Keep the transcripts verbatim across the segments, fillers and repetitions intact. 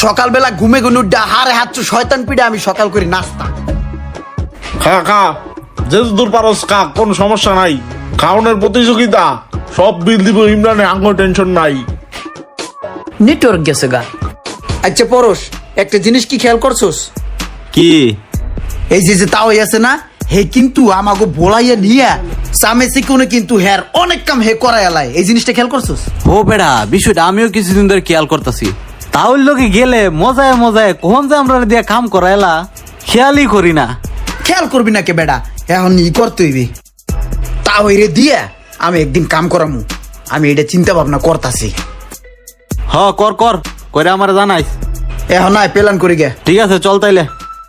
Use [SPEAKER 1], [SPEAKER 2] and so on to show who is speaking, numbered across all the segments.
[SPEAKER 1] সকালবেলা ঘুমে ঘুমে উঠে হারে হাত শয়তান পিঠে আমি সকাল করি নাস্তা।
[SPEAKER 2] খা খা যে দূর পারস খা, কোন সমস্যা নাই। খাওয়ানোর প্রতিযোগিতা, সব বিল দিব ইমরানে, আঙ্গ টেনশন নাই।
[SPEAKER 1] নেটওয়ার্ক গেছে গা। আচ্ছা পরশ, একটা জিনিস কি খেয়াল করছোস?
[SPEAKER 3] কি?
[SPEAKER 1] এই যে যে তাও আছে না, হে কিন্তু আমাকে বলাইয়া নিয়া সামেসি কোনে কিন্তু হের অনেক কাম হে করাই এলাই। এই জিনিসটা খেয়াল করছোস?
[SPEAKER 3] ও বেড়া, বিষয়টা আমিও কিছুদিন ধরে খেয়াল করতেছি। তাহলে লোকে গেলে মজায় মজায় কখন যে আমরা দিয়ে কাম করাইলা খেয়ালই করি না।
[SPEAKER 1] খেয়াল করবি না কে বেড়া, এখন ই করতে হইবে। তাও রে দিয়া আমি একদিন কাম করামু, আমি এটা চিন্তা ভাবনা করতাছি।
[SPEAKER 3] হ কর কর করে আমার জানাইস।
[SPEAKER 1] এখন নাই প্ল্যান করি গে।
[SPEAKER 3] ঠিক আছে চল তাইলে।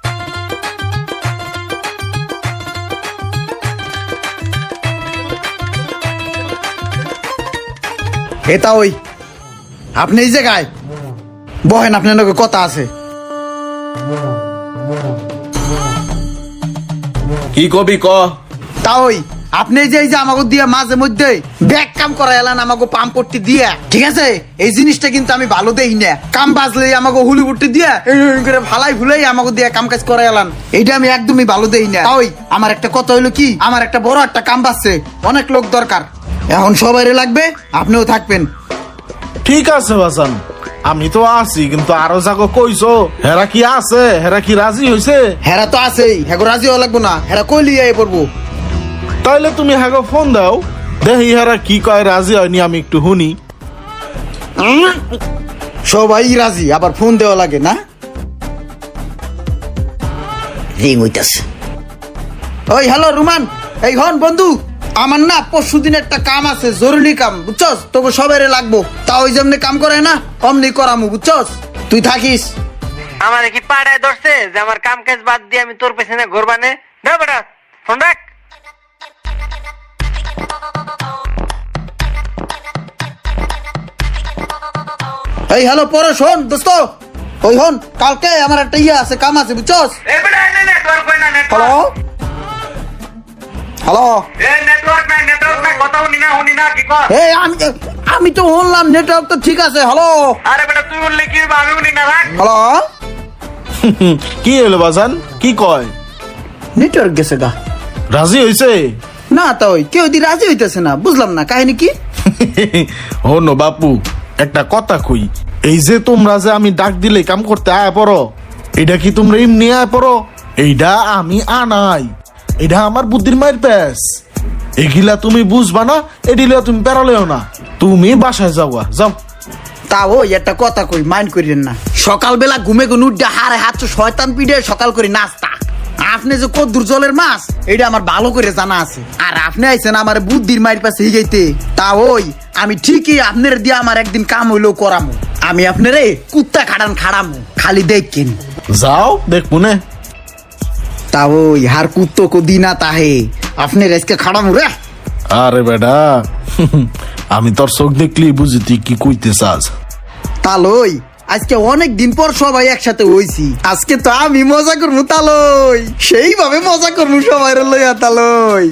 [SPEAKER 1] এটা ওই আপনি এই জায়গায় বহেন, আপনার লোকের কথা আছে।
[SPEAKER 2] কি কবি ক?
[SPEAKER 1] তা ওই আপনি যে এই যে আমাকে দিয়ে মাঝে মধ্যে ব্যাগ কাম করা এলান আমাকে পাম্প করতে দিয়ে, ঠিক আছে? এই জিনিসটা কিন্তু আমি ভালো দেই না। কাম বাজলে আমাকে হুলি উঠতে দিয়ে করে ভালাই ভুলাই আমাকে দিয়ে কাম কাজ করা এলান, এইটা আমি একদমই ভালো দেই না। ওই আমার একটা কথা হইলো কি, আমার একটা বড় একটা কাম বাজছে, অনেক লোক দরকার, এখন সবাই লাগবে, আপনিও থাকবেন।
[SPEAKER 2] ঠিক আছে বাসান, আমি তো আছি, কিন্তু আরো যাকো কইছো হেরা কি আছে? হেরা কি রাজি হইছে?
[SPEAKER 1] হেরা তো আছেই, হ্যাঁ রাজি হওয়া লাগবো না, হেরা কইলি আই পড়বো।
[SPEAKER 2] তাইলে তুমি হ্যাগো ফোন দাও, দেখি হেরা কি কয়, রাজি হয়নি আমি একটু শুনি।
[SPEAKER 1] সবাই রাজি, আবার ফোন দেওয়া লাগে না? রিং হইতাছে। ওই হ্যালো রুমান, এই হন বন্ধু, আমার না পরশু দিন একটা কাম আছে, জরুরি কাম, বুঝছস? তোকে সবাই লাগবো, তা ওই যেমনি কাম করে না অমনি করামু, বুঝছস? তুই থাকিস।
[SPEAKER 4] আমার কি পাড়ায় ধরছে যে আমার কাম কাজ বাদ দিয়ে আমি তোর পেছনে ঘুরবানে? না বেটা ফোন রাখ।
[SPEAKER 1] এই হ্যালো পরে শোন দোস্ত, ওই হন কালকে আমার একটা ইয়ে আছে, কাম আছে, বুঝছস?
[SPEAKER 4] এ বেটা এনে নেটওয়ার্ক কই না,
[SPEAKER 1] হ্যালো
[SPEAKER 4] নেটওয়ার্ক।
[SPEAKER 1] হ্যালো
[SPEAKER 4] এ নেটওয়ার্ক নাই, নেটওয়ার্ক নাই, কথা শুনি না, শুনি না, কি কর?
[SPEAKER 1] এই আমি আমি তো শুনলাম নেটওয়ার্ক তো ঠিক আছে। হ্যালো
[SPEAKER 4] আরে বেটা তুই বললে কি হবে, আমি শুনি না, রাখ।
[SPEAKER 1] হ্যালো,
[SPEAKER 2] কি হলো বাসান, কি কয়?
[SPEAKER 1] নেটওয়ার্ক গেছে গা।
[SPEAKER 2] রাজি হইছে?
[SPEAKER 1] না তা ওই কেউ দি রাজি হইতেছে না, বুঝলাম না কাহিনী কি।
[SPEAKER 2] হনো বাপু, একটা কথা কই, এই যে তোমরা যে আমি ডাক দিলে কাম করতে আয় পড়ো, এটা কি তোমরা এমনি আয় পড়ো? এইটা আমি আনাই, এটা আমার বুদ্ধির মায়ের প্যাস। এগুলা তুমি বুঝবা না, এডিলা তুমি পেরালেও না, তুমি বাসায় যাওয়া যাও।
[SPEAKER 1] তা ওই একটা কথা কই, মাইন্ড করিলেন না। সকালবেলা ঘুমে ঘুমে উঠে হারে হাত শয়তান পিঠে সকাল করে নাস্তা। আপনি যে কদ্দুর জলের মাছ, এটা আমার ভালো করে জানা আছে। আর আপনি আইছেন আমার বুদ্ধির মায়ের পাশে হিগাইতে, তা ওই আমি ঠিকই আপনার দিয়ে আমার একদিন কাম হইলেও করামু। আমি আপনারে কুত্তা খাড়ান খাড়ামু, খালি দেখেন।
[SPEAKER 2] যাও দেখবো না।
[SPEAKER 1] তা ওই হার কুত্তো কো দিনা তাহে আপনার আজকে খাড়ামু রে।
[SPEAKER 2] আরে বেটা, আমি তোর চোখ দেখলি বুঝি তুই কি কইতে চাস।
[SPEAKER 1] তালই আজকে অনেক দিন পর সবাই একসাথে হইছি, আজকে তো আমি মজা করবো তালই, সেইভাবে মজা করবো সবাই লইয়া তালই।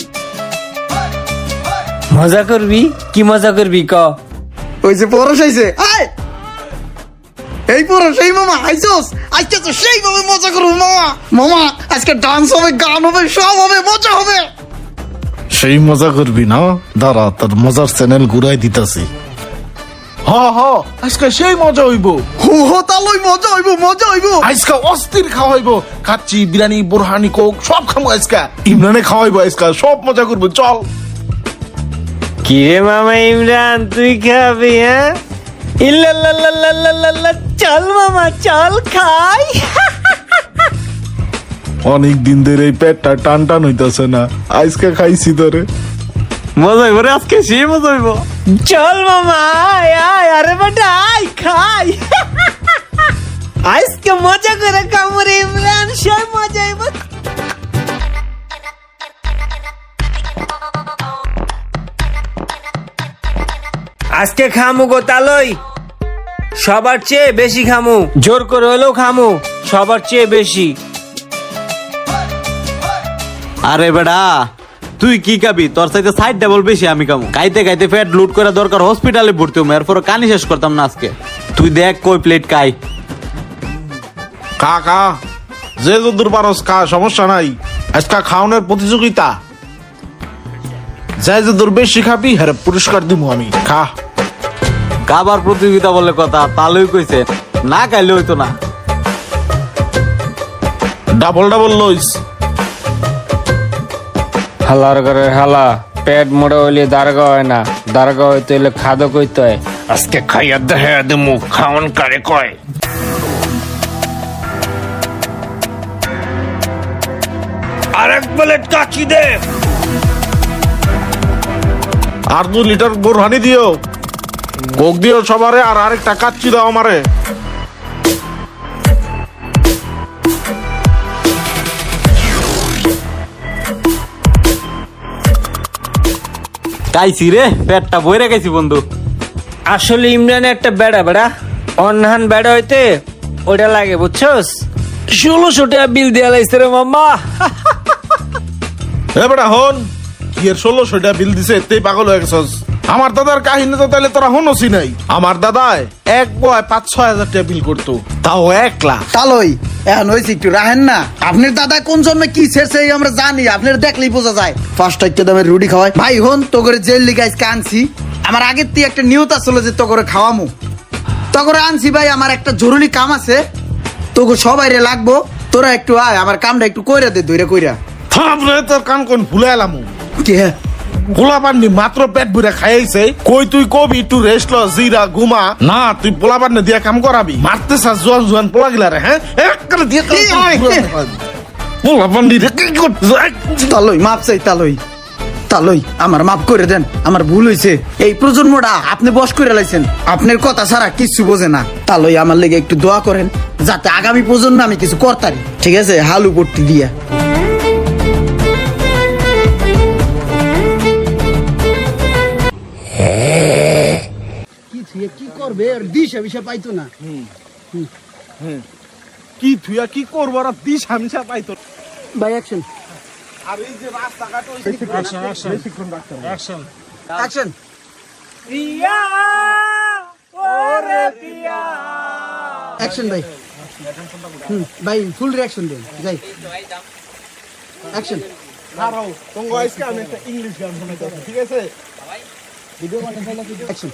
[SPEAKER 5] মজা করবি? কি মজা করবি ক?
[SPEAKER 1] ওই যে পরশ আইছে, আয় এই পরশ, এই মামা আইছস, আজকে তো সেইভাবে মজা করবো মামা। মামা আজকে ডান্স হবে, গান হবে, সব হবে, মজা হবে।
[SPEAKER 2] সেই মজা করবি না, দাঁড়া তোর মজার চ্যানেল ঘুরাই দিতাছি। হ হ আজকে সেই মজা হইব।
[SPEAKER 1] হো হো তালই মজা হইব, মজা হইব।
[SPEAKER 2] আজকে অস্থির খাওয়াইব, কাচ্চি বিরিয়ানি বোরহানি কোক সব খাবো আজকে। ইমরানে খাওয়াইবো আজকে, সব মজা করবো, চল।
[SPEAKER 5] কি রে মামা ইমরান, তুই খাবি? হ্যাঁ ইল্লাল্লাল্লাল্লাল্লাল্লাহ, চল মামা চল খাই।
[SPEAKER 2] অনেক দিন ধরে এই পেটটা টান টান হইতাছে না, আজকে খাইছি ধরে।
[SPEAKER 3] মজা হইব রে আজকে, সে মজা হইব।
[SPEAKER 5] চল মামা আয় আয়, আরে বেটা আয় খাই। আজকে মজা করে কামড়ে ইমরান, সব মজা হইব। আজকে খামু গো তালই, সবার চেয়ে বেশি খামু, জোর করে হলেও খামু, সবার চেয়ে বেশি।
[SPEAKER 3] আরে বেড়া তুই কি খাবি? তোর সাথে সাইড ডাবল বেশি আমি কামু। খাইতে খাইতে পেট লুট করা দরকার হসপিটালে ভর্তি হবো, এরপর কানি শেষ করতাম না আজকে। তুই দেখ কই প্লেট খাই।
[SPEAKER 2] খা খা যে যদুর পারস খা, সমস্যা নাই। আজকা খাওয়ানোর প্রতিযোগিতা, যে যদুর বেশি খাবি হ্যাঁ পুরস্কার দিব আমি। খা।
[SPEAKER 3] খাবার প্রতিযোগিতা বলে কথা, তালুই কইছে না খাইলে হইতো না।
[SPEAKER 2] ডাবল ডাবল লইস।
[SPEAKER 5] হালার ঘরে হালা, পেট মোড়া হইলে দারগা হয় না, দারগা হইতে হইলে খাদো কইতে হয়। আজকে খাইয়া দেখে দেমু খাওয়ান কারে কয়। আরেক প্লেট কাচি দে।
[SPEAKER 2] আর দু লিটার বোরহানি দিও, কোক দিও সবারে, আর আরেকটা কাচ্চি দাও আমারে।
[SPEAKER 3] খাইছি রে, পেটটা বইরে খাইছি বন্ধু।
[SPEAKER 5] আসলে ইমরান একটা বেড়া বেড়া, অনহান বেড়া হইতে ওটা লাগে বুঝছস। ষোলোশো টাকা বিল দেয়া লাগছে রে মাম্মা।
[SPEAKER 2] এ বেটা হন, কি এর ষোলোশো টাকা বিল দিছে, এতেই পাগল হয়ে গেছস। আমার দাদার কাহিনী তো তাহলে তোরা হনসি নাই। আমার দাদায় এক বয় পাঁচ ছয় হাজার টাকা বিল করতো, তাও একলা।
[SPEAKER 1] তালই এখন হয়েছে একটু রাহেন না। আপনার দাদা কোন জন্মে কি ছেড়ছে এই আমরা জানি, আপনার দেখলেই বোঝা যায়। ফার্স্ট একটা দামের রুটি খাওয়াই ভাই হন, তো করে জেল লিগে আজকে আনছি। আমার আগের থেকে একটা নিয়ত আসলে যে তো করে খাওয়ামু, তো করে আনছি ভাই। আমার একটা জরুরি কাম আছে, তোকে সবাই রে লাগবো। তোরা একটু আয়, আমার কামটা একটু কইরা দে, দইরা কইরা।
[SPEAKER 2] থামরে তোর কান কোন ভুলে এলাম।
[SPEAKER 1] কে
[SPEAKER 2] পোলা পান্নি মাত্র পেট ভরে খাইছে, কই তুই কবি একটু রেস্ট ল, জিরা ঘুমা না। তুই পোলা পান্নি দিয়ে কাম করাবি, মারতে চাস জোয়ান জোয়ান পোলা গিলা রে। হ্যাঁ এককালে দিয়ে পোলা পান্নি রে কি করতে।
[SPEAKER 1] তালই মাপ চাই, তালই তালই আমার মাফ করে দেন, আমার ভুল হয়েছে। এই প্রজন্মটা আপনি বস করে লাইছেন, আপনার কথা ছাড়া কিছু বোঝে না। তালই আমার লেগে একটু দোয়া করেন, যাতে আগামী প্রজন্ম আমি কিছু করতারি। ঠিক আছে, হালু পট্টি দিয়া। কি করবে দিশা বিশা পাইতো না।
[SPEAKER 2] কি তুই কি করবো, আর দিস হামসা পাইতো।
[SPEAKER 1] বাই অ্যাকশন
[SPEAKER 2] আর এই যে রাস্তাঘাট
[SPEAKER 1] অ্যাকশন অ্যাকশন ভাই। হুম ভাই ফুল রিঅ্যাকশন দেন, যাই অ্যাকশন।
[SPEAKER 2] ইংলিশ গান শোনাইতে, ঠিক আছে?
[SPEAKER 1] অ্যাকশন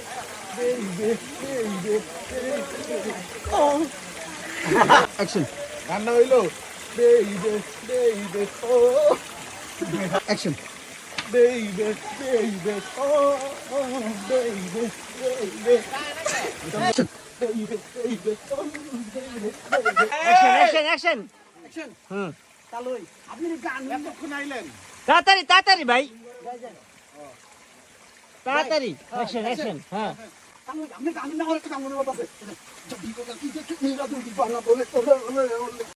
[SPEAKER 1] অ্যাকশন
[SPEAKER 2] গানটা হইলো baby baby oh
[SPEAKER 1] action
[SPEAKER 2] baby baby oh baby baby
[SPEAKER 1] action
[SPEAKER 5] action action
[SPEAKER 1] action হুম তালই আপনি গান কখন আইলেন?
[SPEAKER 5] তাড়াতাড়ি তাড়াতাড়ি ভাই, তাড়াতাড়ি অ্যাকশন অ্যাকশন। হ্যাঁ
[SPEAKER 1] আপনি গান না করে কাম মনে করতেছে।